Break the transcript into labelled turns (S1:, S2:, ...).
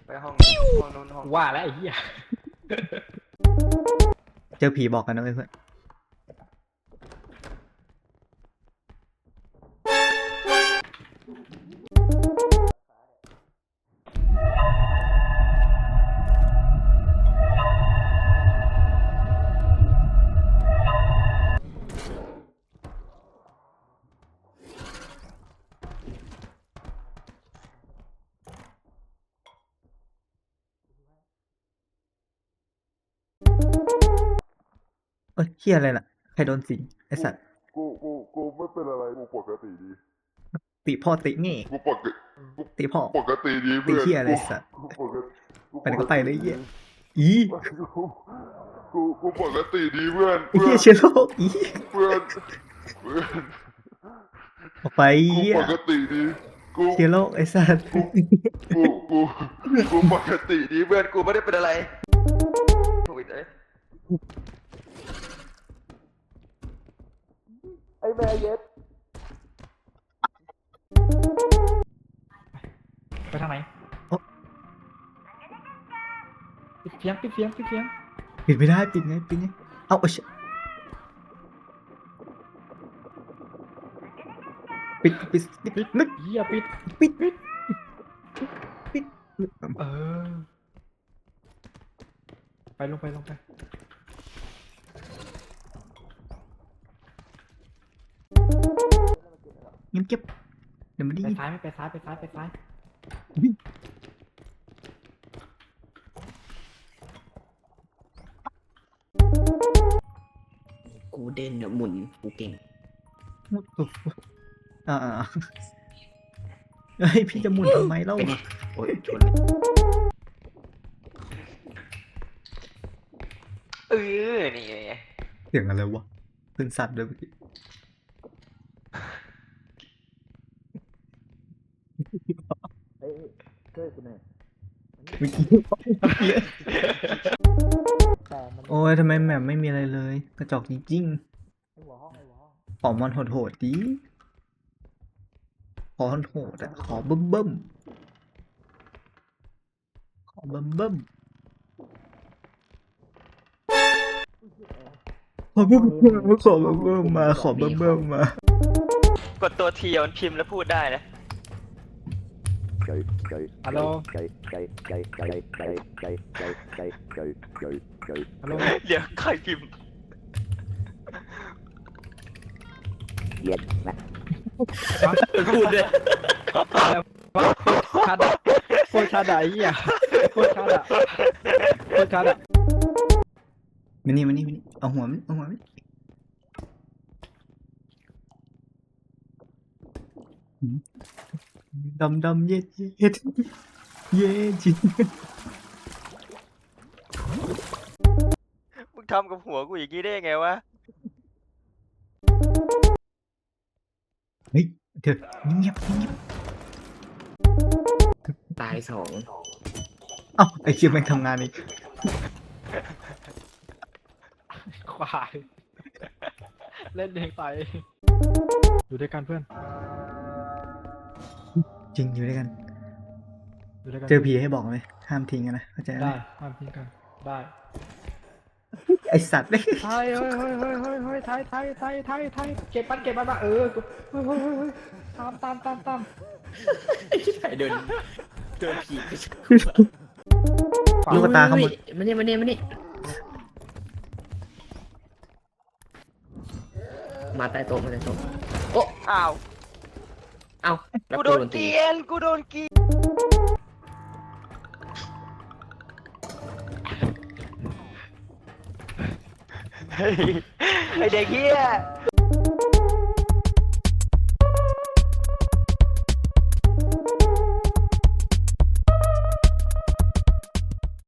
S1: ไปห้องนู้นห้อง
S2: ว่าแล้วไอ้เหี้ย
S3: เจอผีบอกกันนะเพื่อนเฮียอะไรล่ะใครโดนสิงไอสัตว์
S4: กูไม่เป็นอะไรกูปกติดี
S3: ติพ่อติงี้
S4: กู
S3: ติพ่อ
S4: ปกติดี
S3: ติ
S4: เพื่อน
S3: เฮียอะไรสัตว์
S4: กูปกติ
S3: ไปไหนก็ไปเลยเฮียอี
S4: กูปกติดีเพื่อน
S3: ไอ้เฮียเชื้อโรคอี
S4: เพื่อน
S3: ออกไป
S4: กู
S3: เฮีย
S4: ปกติดีกู
S3: เชื้อโรคไอสัตว์
S4: กูปกติดี
S1: เพื่อนกูไม่ได้เป็นอะไรโควิดเลยไอ้แม่เย็ด
S2: ไปทางไหนปิดเสียงปิดเสียงปิดเสียง
S3: ปิดไม่ได้ปิดไงเอาเชปิดนึก
S2: เหี้ยปิด
S3: ปิด
S2: เออไปลงไป
S3: เงียบเก็บเดี๋ยวมันได้
S2: ไป
S3: ยิน
S2: ซ้ายไม่ไปซ้ายไปซ้ายไปซ้าย
S5: กูเด่นเนี่ยหมุนกูเก่ง
S3: เฮ้ยพี่จะหมุนทำไมเล่า
S5: เป็นไงโอ้ยชน
S1: นี่ไง
S3: เสียงอะไรวะขึ้นสัตว์ด้วยเมื่อกี้เมื่อกี้โอ้ยทำไมแมปไม่มีอะไรเลย กระจอกจริงๆขอมันโหดๆดิขอโหดๆอ่ะขอเบิ่มขอเบิ่มขอเบิ่มมาขอเบิ่มมาก
S1: ดตัวทีมันพิมพ์แล้วพูดได้นะ
S2: ฮัลโหลฮัลโหล
S1: เดี๋ยวใครพิมพ์
S5: พูดเลย
S2: ชัดอะโคตรชัดอะไอ้เหี้ยโคตรชัดอะโคตรชัดอะ
S3: มานี่เอาหัวมันดำเย็ดเย็จริง
S1: มึงทำกับหัวกูอย่างนี้ได้ยังไงวะ
S3: เฮ้ยเดี๋ยวเงียบ
S5: ตายสอง
S3: เอ้าไอ้เชี่ยแม่งทำงานอีก
S2: ควายเล่นเองไปอยู่ด้วยกันเพื่อน
S3: จริงอยู่ด้วยกัน
S2: อยู่ด้วยกัน
S3: เจอผีให้บอกเลยห้ามทิ้งกันนะเข้าใจไหม
S2: ได้ห้ามทิ้งกันได้
S3: ไอสัตว์เลย
S2: ไทยเฮ้ยไทยเก็บมันมาเออเฮ้ยตาม
S5: ไอ้ที่ไหนเดินผีไป
S3: ลูกตาขโมย
S5: มานี่มาใต้โต๊ะโอ้
S1: อ้าว
S5: เอ้าแล้ว
S1: กู
S5: กู
S1: โด
S5: โด
S1: น
S5: น
S1: เก
S5: ตี
S1: ลียนกูโดนกีเฮ้ยไอเด็กเฮีย